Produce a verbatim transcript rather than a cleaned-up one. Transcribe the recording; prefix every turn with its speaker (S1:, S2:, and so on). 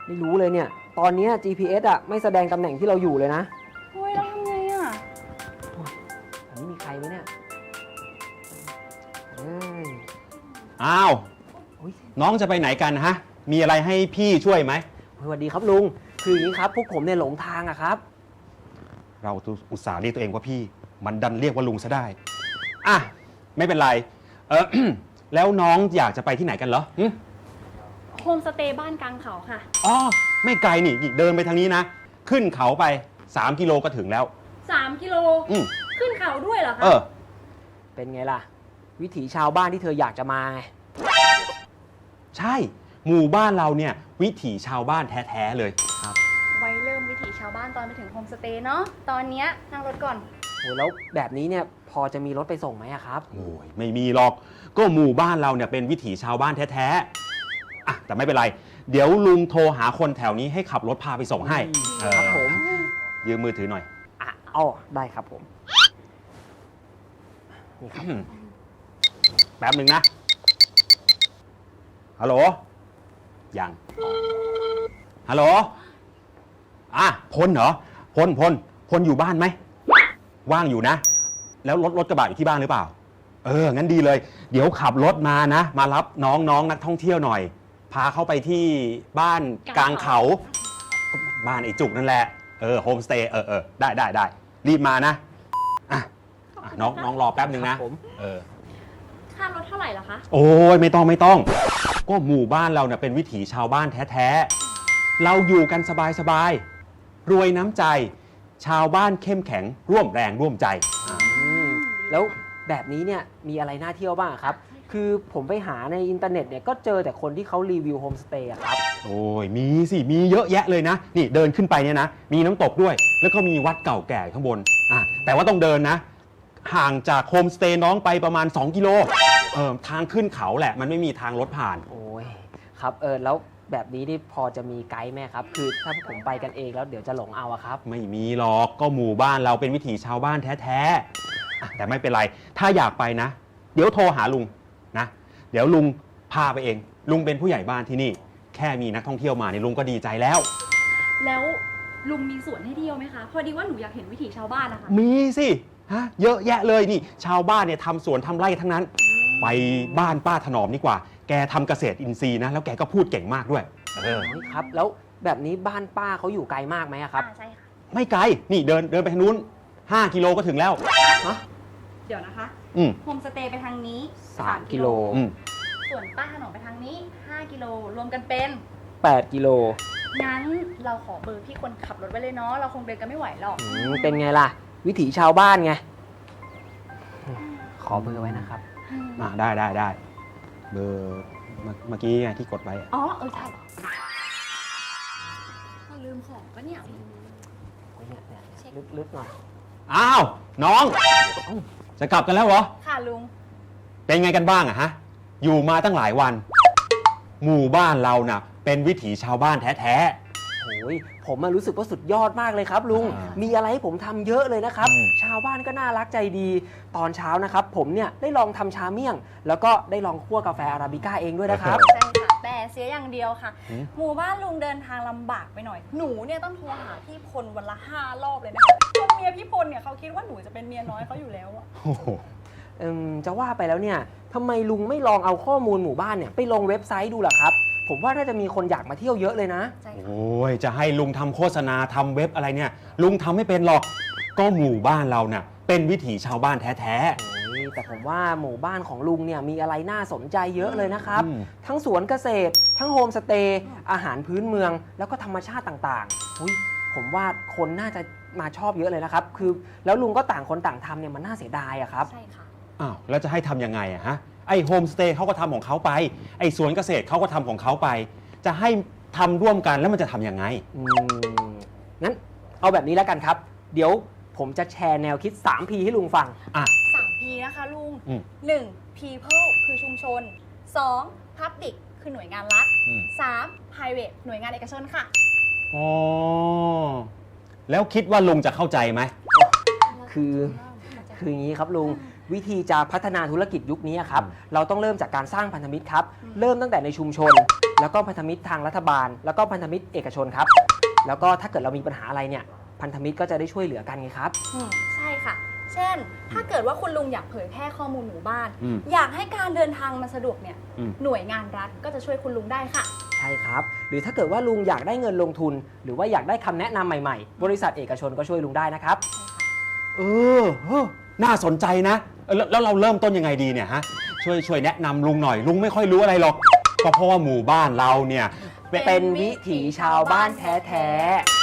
S1: ไม่รู้เลยเนี่ย ตอนนี้ จี พี เอส อ่ะไม่แสดงตำแหน่งที่เราอยู่เลยนะ
S2: โอ้ยแล้วทำไงอ่ะ
S1: อันนี้มีใครไหมเนี่ยเอ้ย
S3: อ้าว
S1: อุ๊ย
S3: น้องจะไปไหนกันฮะ มีอะไรให้พี่ช่วยไหม
S1: สวัสดีครับลุง คืออย่างนี้ครับพวกผมเนี่ยหลงทางอะครับ
S3: เราอุตส่าห์เรียกตัวเองว่าพี่ มันดันเรียกว่าลุงซะได้ อ่ะ ไม่เป็นไร เออ แล้วน้องอยากจะไปที่ไหนกันเหรอหึ
S2: โฮมสเตย์บ้านกลางเขาค่ะ
S3: อ๋อ ไม่ไกลนี่นี่เดินไปทางนี้นะ ขึ้นเขาไปสามกิโลก็ถึงแล้ว
S2: สาม กิโล
S3: อืม
S2: ขึ้นเขาด้วยเหรอคะ
S3: เออ
S1: เป็นไงล่ะ วิถีชาวบ้านที่เธออยากจะมาไง
S3: ใช่ หมู่บ้านเราเนี่ย วิถีชาวบ้านแท้ๆเลย
S2: ไว้เริ่มวิถีชาวบ้านตอนไปถึงโฮมสเตย์เนาะ ตอนเนี้ยนั่งรถก่อน
S1: โหแล้วแบบนี้เนี่ยพอจะมีรถไปส่งไหมอะครับ
S3: โอ้ยไม่มีหรอก ก็หมู่บ้านเราเนี่ยเป็นวิถีชาวบ้านแท้ๆอ่ะแต่ไม่เป็นไร เดี๋ยวลุงโทรหาคนแถวนี้ให้ขับรถพาไปส่งให้
S1: อืม
S3: เออ
S1: ครับผม
S3: ยืมมือถือหน่อย
S1: อ่ะอ๋อได้ครับผม นี่ครับ
S3: อืมแป๊บหนึ่งนะ ฮัลโหล ยัง ฮัลโหล อ่ะพลเหรอ พล พล พลอยู่บ้านไหม ว่างอยู่นะ แล้วรถรถกระบะอยู่ที่บ้านหรือเปล่า เออ งั้นดีเลย เดี๋ยวขับรถมานะ มารับน้องน้องนักท่องเที่ยวหน่อย พาเข้าไปที่บ้านกลางเขา บ้านไอ้จุกนั่นแหละ เออ โฮมสเตย์ เออเออได้ได้ได้ รีบมานะ อ่ะอ่ะน้องน้องรอแป๊บหนึ่ง
S1: ค
S3: นะ
S1: รับผม
S3: เออ
S2: ค่ารถเท่าไหร่เหรอคะ
S3: โอ้ยไม่ต้องไม่ต้อง ก็หมู่บ้านเราเนี่ยเป็นวิถีชาวบ้านแท้ๆ เราอยู่กันสบายๆ รวยน้ำใจ ชาวบ้านเข้มแข็งร่วมแรงร่วมใจ
S1: อืมแล้วแบบนี้เนี่ยมีอะไรน่าเที่ยวบ้างครับ คือผมไปหาในอินเทอร์เน็ตเนี่ยก็เจอแต่คนที่เขารีวิวโฮมสเตย์อะครับ
S3: โอ้ยมีสิมีเยอะแยะเลยนะ นี่เดินขึ้นไปเนี่ยนะ มีน้ำตกด้วย แล้วก็มีวัดเก่าแก่ข้างบนอ่ะแต่ว่าต้องเดินนะ ห่างจากโฮมสเตย์น้องไปประมาณสองกิโลเออทางขึ้นเขาแหละ มันไม่มีทางรถผ่าน
S1: โอ้ยครับเออแล้วแบบนี้นี่พอจะมีไกด์ไหมครับ คือถ้าผมไปกันเองแล้วเดี๋ยวจะหลงเอาอะครับ
S3: ไม่มีหรอกก็หมู่บ้านเราเป็นวิถีชาวบ้านแท้ๆอ่ะแต่ไม่เป็นไร ถ้าอยากไปนะ เดี๋ยวโทรหาลุงนะ เดี๋ยวลุงพาไปเอง ลุงเป็นผู้ใหญ่บ้านที่นี่ แค่มีนักท่องเที่ยวมาเนี่ยลุงก็ดีใจแล้ว
S2: แล้วลุงมีสวนให้เที่ยวไหมคะ พอดีว่าหนูอยากเห็นวิถีชาวบ้านนะคะ
S3: มีสิฮะเยอะแยะเลยนี่ ชาวบ้านเนี่ยทำสวนทำไร่ทั้งนั้น ไปบ้านป้าถนอมดีกว่า แกทำเกษตรอินทรีย์นะ แล้วแกก็พูดเก่งมากด้วยเออ
S1: โอ้ยครับ แล้วแบบนี้บ้านป้าเขาอยู่ไกลมากไหมอะครับ
S2: อ่าใช่ค่ะ
S3: ไม่ไกล นี่เดินเดินไปทางนู้นห้ากิโลก็ถึงแล้ว
S1: ฮะ
S2: เดี๋ยวนะคะ
S3: อืม
S2: โฮมสเตย์ไปทางนี้
S1: สามกิโล
S3: อืม
S2: ส่วนป้าถนอมไปทางนี้ ห้า กิโล รวมกันเป็น
S1: แปดกิโล
S2: งั้นเราขอเบอร์พี่คนขับรถไว้เลยเนาะ เราคงเดินกันไม่ไหวหรอก
S1: อืมเป็นไงล่ะ วิถีชาวบ้านไง ขอเบอร์ไว้นะครับ
S3: อ่าได้ได้ได้เบอร์เมื่อเมื่อกี้ไงที่กดไว้อะ
S2: อ๋อ เออใช่เราลืมของปะเนี่ย
S1: เนี่ยเนี่ยลึกๆหน่อย
S3: อ้าว น้อง จะกลับกันแล้วเหรอ
S2: ค่ะลุง
S3: เป็นไงกันบ้างอะฮะ อยู่มาตั้งหลายวัน หมู่บ้านเราน่ะ เป็นวิถีชาวบ้านแท้
S1: โอ้ยผมอะรู้สึกว่าสุดยอดมากเลยครับลุง
S3: อ่ามี
S1: มีอะไรให้ผมทำเยอะเลยนะครับ
S3: อืม
S1: ชาวบ้านก็น่ารักใจดี ตอนเช้านะครับ ผมเนี่ยได้ลองทำชาเมี่ยง แล้วก็ได้ลองคั่วกาแฟอาราบิก้าเองด้วยนะครับ
S2: ใช่ค่ะ แต่เสียอย่างเดียวค่ะ
S3: หืม
S2: หมู่บ้านลุงเดินทางลำบากไปหน่อย หนูเนี่ยต้องโทรหาพี่พลวันละห้ารอบเลยนะคะจนเมียพี่พลเนี่ยเขาคิดว่าหนูจะเป็นเมียน้อยเขาอยู่แล้วอะ
S3: ๆโอ้โห
S1: เอิ่มจะว่าไปแล้วเนี่ยทำไมลุงไม่ลองเอาข้อมูลหมู่บ้านเนี่ยไปลงเว็บไซต์ดูล่ะครับ ผมว่าน่าจะมีคนอยากมาเที่ยวเยอะเลยนะ
S2: ใช่ค่ะ
S3: โอ้ย จะให้ลุงทำโฆษณาทำเว็บอะไรเนี่ย ลุงทำไม่เป็นหรอก ก็หมู่บ้านเราน่ะ เป็นวิถีชาวบ้านแท้
S1: โอ้ยแต่ผมว่าหมู่บ้านของลุงเนี่ยมีอะไรน่าสนใจเยอะเลยนะครับ
S3: อืม
S1: ทั้งสวนเกษตร ทั้งโฮมสเตย์ อาหารพื้นเมือง แล้วก็ธรรมชาติต่างๆอุ๊ยผมว่าคนน่าจะมาชอบเยอะเลยนะครับ คือแล้วลุงก็ต่างคนต่างทำเนี่ยมันน่าเสียดายอะครับ
S2: ใช่ค่ะ
S3: ๆ อ้าว แล้วจะให้ทำยังไงอะฮะ ไอโฮมสเตย์เขาก็ทำของเขาไป ไอสวนเกษตรเขาก็ทำของเขาไป จะให้ทำร่วมกันแล้วมันจะทำยังไง
S1: อืมงั้นเอาแบบนี้แล้วกันครับ เดี๋ยวผมจะแชร์แนวคิด สาม พี ให้ลุงฟัง
S3: อ่ะ
S2: สาม พี นะคะลุง
S3: อืม
S2: หนึ่ง people คือชุมชน สอง public คือหน่วยงานรัฐ
S3: อืม
S2: สาม private หน่วยงานเอกชนค่ะ
S3: อ๋อ แล้วคิดว่าลุงจะเข้าใจไหม
S1: คือ คืออย่างนี้ครับลุง วิธีจะพัฒนาธุรกิจยุคนี้ครับ
S3: อืม
S1: เราต้องเริ่มจากการสร้างพันธมิตรครับ
S2: อืม
S1: เริ่มตั้งแต่ในชุมชนแล้วก็พันธมิตรทางรัฐบาล แล้วก็พันธมิตรเอกชนครับแล้วก็ถ้าเกิดเรามีปัญหาอะไรเนี่ยพันธมิตรก็จะได้ช่วยเหลือกันไงครับ
S2: อืมใช่ค่ะ เช่น ถ้าเกิดว่าคุณลุงอยากเผยแพร่ข้อมูลหมู่บ้าน
S3: อืม
S2: อยากให้การเดินทางมันสะดวกเนี่ย
S3: อืม
S2: หน่วยงานรัฐก็จะช่วยคุณลุงได้ค่ะ
S1: ใช่ครับหรือถ้าเกิดว่าลุงอยากได้เงินลงทุน หรือว่าอยากได้คำแนะนำใหม่ๆ บริษัทเอกชนก็ช่วยลุงได้นะครับ
S3: เออเออน่าสนใจนะเออแล้วแล้วเราเริ่มต้นยังไงดีเนี่ยฮะช่วยช่วยแนะนำลุงหน่อยลุงไม่ค่อยรู้อะไรหรอกก็เพราะว่าหมู่บ้านเราเนี่ย
S1: เป็นวิถีชาวบ้านแท้ๆ